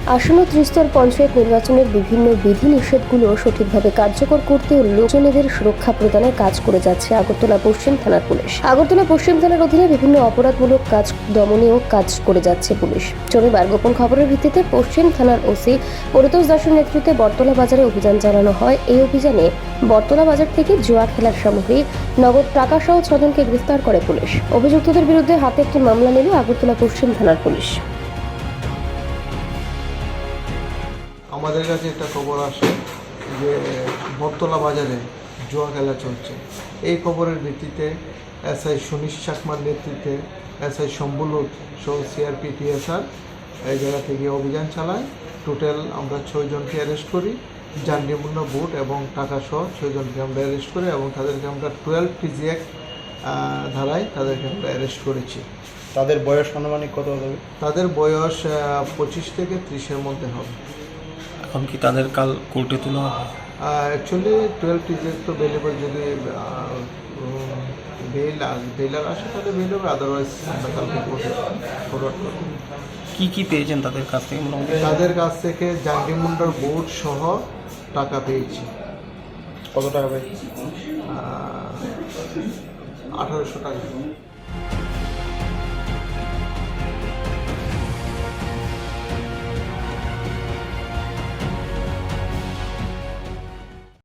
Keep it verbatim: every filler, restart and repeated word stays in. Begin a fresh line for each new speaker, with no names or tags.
আসন্ন ত্রিস্তর পঞ্চায়েত নির্বাচনের বিভিন্ন বিধিনিষেধগুলো সঠিকভাবে কার্যকর করতে ও লোকজনেদের সুরক্ষা প্রদানের কাজ করে যাচ্ছে আগরতলা পশ্চিম থানার পুলিশ। আগরতলা পশ্চিম থানার অধীনে বিভিন্ন অপরাধমূলক কাজ দমনেও কাজ করে যাচ্ছে পুলিশ। শনিবার গোপন খবরের ভিত্তিতে পশ্চিম থানার ওসি পরিতোষ দাসের নেতৃত্বে বটতলা বাজারে অভিযান চালানো হয়। এই অভিযানে বটতলা বাজার থেকে জুয়া খেলার সামগ্রী, নগদ টাকা সহ ছজনকে গ্রেফতার করে পুলিশ। অভিযুক্তদের বিরুদ্ধে হাতে একটি মামলা নিল আগরতলা পশ্চিম থানার পুলিশ।
আমাদের কাছে একটা খবর আসে যে বটতলা বাজারে জুয়া খেলা চলছে। এই খবরের ভিত্তিতে এসআই সুনীশ চাকমার নেতৃত্বে এসআই শম্বুলুত সহ সিআরপি টিএসআর এই জায়গা থেকে অভিযান চালায়। টোটাল আমরা ছয়জনকে অ্যারেস্ট করি, জানডিমূল্য বুট এবং টাকা সহ ছয়জনকে আমরা অ্যারেস্ট করি এবং তাদেরকে আমরা টুয়েলভ পিজি অ্যাক্ট ধারায় তাদেরকে আমরা অ্যারেস্ট করেছি।
তাদের বয়স আনুমানিক কত হবে?
তাদের বয়স পঁচিশ থেকে ত্রিশের মধ্যে হবে।
এখন কি তাদের কাল কোর্টে তোলা হবে?
অ্যাকচুয়ালি টুয়েলভ টিজের তো বেলেবল, যদি বেল বেলার আসে তাহলে বেল হবে, আদারওয়াইজ আমরা কালকে কোর্টে ফরওয়ার্ড করব।
কি কি পেয়েছেন তাদের কাছ থেকে? মোটামুটি
তাদের কাছ থেকে জাঙ্গিমুন্ডার বোর্ড সহ টাকা পেয়েছি।
কত টাকা পেয়েছি?
আঠারোশো টাকা।